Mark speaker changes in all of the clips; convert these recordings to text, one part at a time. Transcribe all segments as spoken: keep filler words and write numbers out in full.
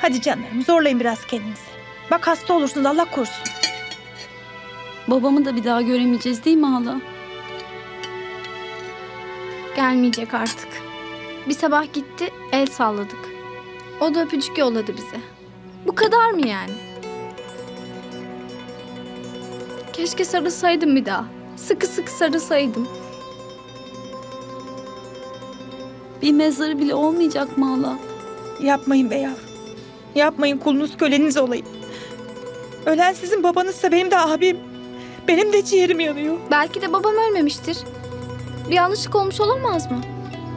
Speaker 1: Hadi canlarım, zorlayın biraz kendinizi. Bak hasta olursunuz, Allah korusun.
Speaker 2: Babamı da bir daha göremeyeceğiz değil mi hala?
Speaker 3: Gelmeyecek artık. Bir sabah gitti, el salladık. O da öpücük yolladı bize. Bu kadar mı yani? Keşke sarılsaydım bir daha. Sıkı sıkı sarılsaydım.
Speaker 2: Bir mezarı bile olmayacak mı hala?
Speaker 1: Yapmayın be yavrum. Yapmayın, kulunuz köleniz olayım. Ölen sizin babanızsa benim de abim. Benim de ciğerim yanıyor.
Speaker 3: Belki de babam ölmemiştir. Bir yanlışlık olmuş olamaz mı?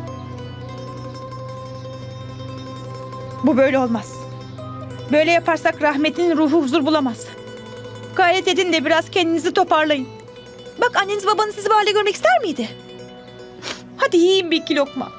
Speaker 1: Bu böyle olmaz. Böyle yaparsak rahmetlinin ruhu huzur bulamaz. Gayret edin de biraz kendinizi toparlayın. Bak anneniz babanız sizi bu halde görmek ister miydi? Hadi yiyin bir iki lokma.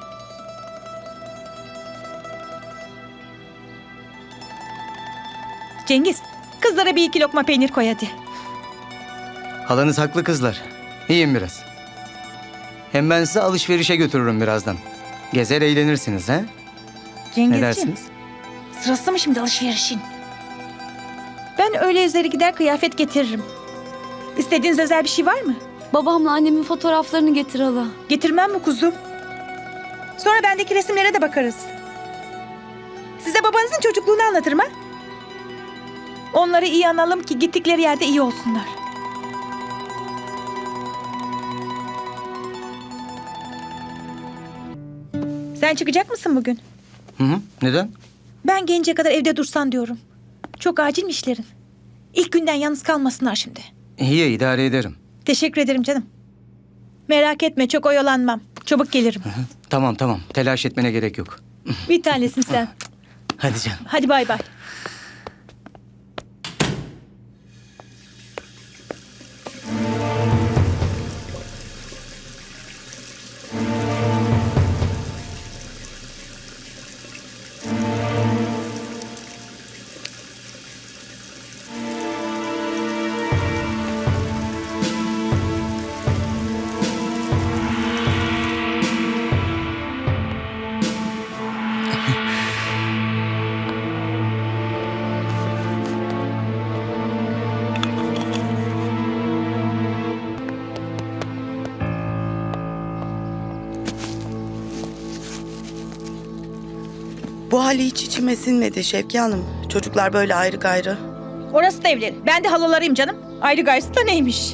Speaker 1: Cengiz, kızlara bir iki lokma peynir koy hadi.
Speaker 4: Halanız haklı kızlar. Yiyin biraz. Hem ben sizi alışverişe götürürüm birazdan. Gezer eğlenirsiniz ha? Ne
Speaker 1: Cengizciğim,
Speaker 4: dersiniz?
Speaker 1: sırası mı şimdi alışverişin? Ben öğle üzeri gider kıyafet getiririm. İstediğiniz özel bir şey var mı?
Speaker 2: Babamla annemin fotoğraflarını getir hala.
Speaker 1: Getirmem mi kuzum? Sonra bendeki resimlere de bakarız. Size babanızın çocukluğunu anlatırım ha? Onları iyi analım ki gittikleri yerde iyi olsunlar. Sen çıkacak mısın bugün?
Speaker 4: Hı hı. Neden?
Speaker 1: Ben gelince kadar evde dursan diyorum. Çok acil mi işlerin? İlk günden yalnız kalmasınlar şimdi.
Speaker 4: İyi, idare ederim.
Speaker 1: Teşekkür ederim canım. Merak etme, çok oyalanmam. Çabuk gelirim.
Speaker 4: Hı hı. Tamam tamam. Telaş etmene gerek yok.
Speaker 1: Bir tanesin sen.
Speaker 4: Hadi canım.
Speaker 1: Hadi bay bay.
Speaker 5: Bu hali hiç içime sinmedi Şevki Hanım. Çocuklar böyle ayrı gayrı.
Speaker 1: Orası da evleri. Ben de halalarıyım canım. Ayrı gayrısı da neymiş?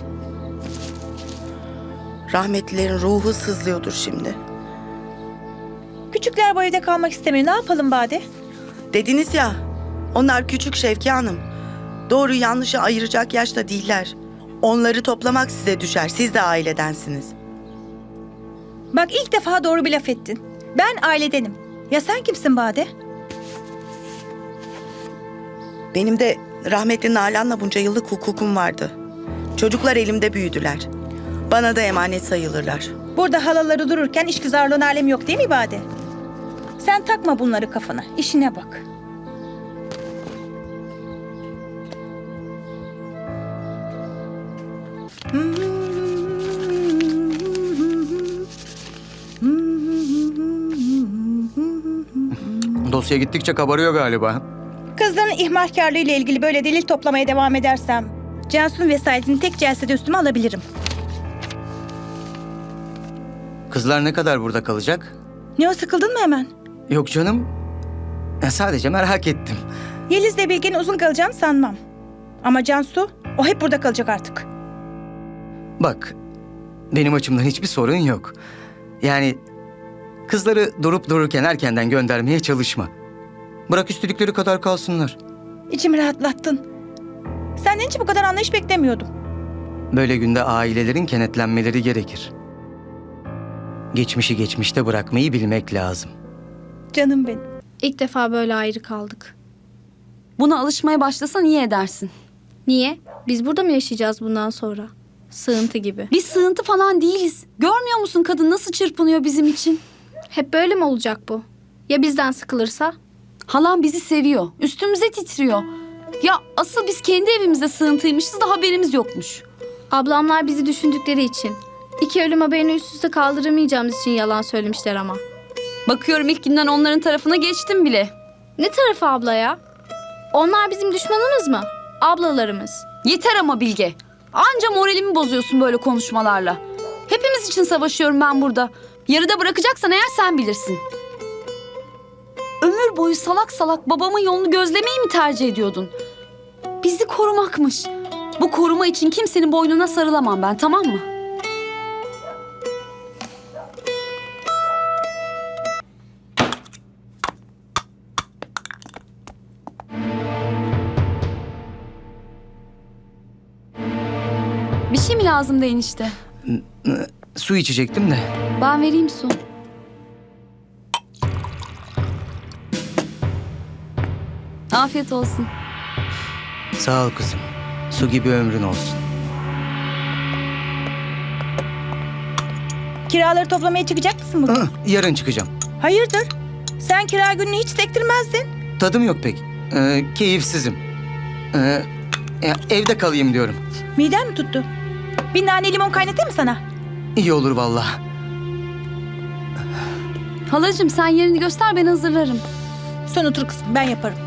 Speaker 5: Rahmetlilerin ruhu sızlıyordur şimdi.
Speaker 1: Küçükler bu evde kalmak istemiyor. Ne yapalım Bade?
Speaker 5: Dediniz ya, onlar küçük Şevki Hanım. Doğru yanlışı ayıracak yaşta değiller. Onları toplamak size düşer. Siz de ailedensiniz.
Speaker 1: Bak ilk defa doğru bir laf ettin. Ben ailedenim. Ya sen kimsin Bade?
Speaker 5: Benim de rahmetli Nalan'la bunca yıllık hukukum vardı. Çocuklar elimde büyüdüler. Bana da emanet sayılırlar.
Speaker 1: Burada halaları dururken işgüzarlığın alemi yok değil mi Bade? Sen takma bunları kafana. İşine bak.
Speaker 4: Dosya gittikçe kabarıyor galiba.
Speaker 1: Kızların ihmalkarlığı ile ilgili böyle delil toplamaya devam edersem Cansu'nun vesayetini tek celsede üstüme alabilirim.
Speaker 4: Kızlar ne kadar burada kalacak?
Speaker 1: Ne o, sıkıldın mı hemen?
Speaker 4: Yok canım. Ya sadece merak ettim.
Speaker 1: Yeliz'le Bilge'nin uzun kalacağını sanmam. Ama Cansu, o hep burada kalacak artık.
Speaker 4: Bak, benim açımdan hiçbir sorun yok. Yani kızları durup dururken erkenden göndermeye çalışma. Bırak istedikleri kadar kalsınlar.
Speaker 1: İçimi rahatlattın. Senden hiç bu kadar anlayış beklemiyordum.
Speaker 4: Böyle günde ailelerin kenetlenmeleri gerekir. Geçmişi geçmişte bırakmayı bilmek lazım.
Speaker 1: Canım benim.
Speaker 3: İlk defa böyle ayrı kaldık.
Speaker 2: Buna alışmaya başlasan iyi edersin.
Speaker 3: Niye? Biz burada mı yaşayacağız bundan sonra? Sığıntı gibi.
Speaker 2: Biz sığıntı falan değiliz. Görmüyor musun kadın nasıl çırpınıyor bizim için?
Speaker 3: Hep böyle mi olacak bu? Ya bizden sıkılırsa?
Speaker 2: Halam bizi seviyor. Üstümüze titriyor. Ya asıl biz kendi evimizde sığıntıymışız da haberimiz yokmuş.
Speaker 3: Ablamlar bizi düşündükleri için. İki ölüm haberini üst üste kaldıramayacağımız için yalan söylemişler ama.
Speaker 2: Bakıyorum ilk günden onların tarafına geçtim bile.
Speaker 3: Ne tarafı abla ya? Onlar bizim düşmanımız mı? Ablalarımız.
Speaker 2: Yeter ama Bilge. Anca moralimi bozuyorsun böyle konuşmalarla. Hepimiz için savaşıyorum ben burada. Yarıda bırakacaksan eğer sen bilirsin. Ömür boyu salak salak babamın yolunu gözlemeyi mi tercih ediyordun? Bizi korumakmış. Bu koruma için kimsenin boynuna sarılamam ben, tamam mı? Bir şey mi lazımdı enişte?
Speaker 4: Su içecektim de.
Speaker 2: Ben vereyim su. Afiyet olsun.
Speaker 4: Sağ ol kızım. Su gibi ömrün olsun.
Speaker 1: Kiraları toplamaya çıkacak mısın bugün?
Speaker 4: Hı, yarın çıkacağım.
Speaker 1: Hayırdır? Sen kira gününü hiç sektirmezdin.
Speaker 4: Tadım yok pek. Ee, keyifsizim. Ee, ya evde kalayım diyorum.
Speaker 1: Miden mi tuttu? Bir nane limon kaynatayım mı sana?
Speaker 4: İyi olur vallahi.
Speaker 2: Halacığım sen yerini göster, ben hazırlarım.
Speaker 1: Sen otur kızım, ben yaparım.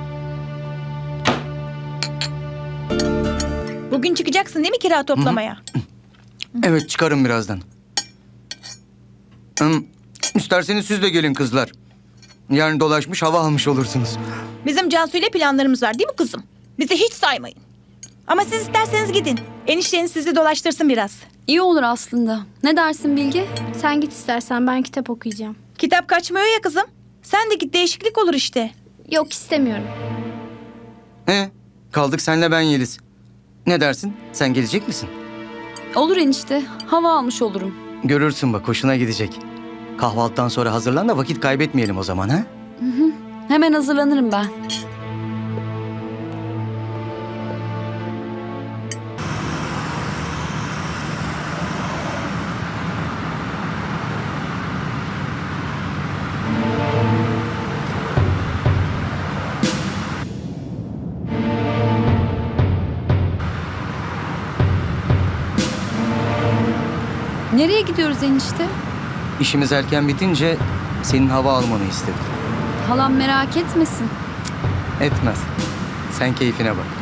Speaker 1: Bugün çıkacaksın değil mi kira toplamaya?
Speaker 4: Evet, çıkarım birazdan. Hım, isterseniz siz de gelin kızlar. Yarın dolaşmış hava almış olursunuz.
Speaker 1: Bizim Cansu ile planlarımız var değil mi kızım? Bizi hiç saymayın. Ama siz isterseniz gidin. Enişteniz sizi dolaştırsın biraz.
Speaker 2: İyi olur aslında. Ne dersin Bilge?
Speaker 3: Sen git istersen, ben kitap okuyacağım.
Speaker 1: Kitap kaçmıyor ya kızım. Sen de git, değişiklik olur işte.
Speaker 3: Yok, istemiyorum.
Speaker 4: He, kaldık senle ben Yeliz. Ne dersin? Sen gelecek misin?
Speaker 2: Olur enişte. Hava almış olurum.
Speaker 4: Görürsün bak, hoşuna gidecek. Kahvaltıdan sonra hazırlan da vakit kaybetmeyelim o zaman, ha?
Speaker 2: Hemen hazırlanırım ben. Nereye gidiyoruz enişte?
Speaker 4: İşimiz erken bitince senin hava almanı istedim.
Speaker 2: Halam merak etmesin.
Speaker 4: Etmez. Sen keyfine bak.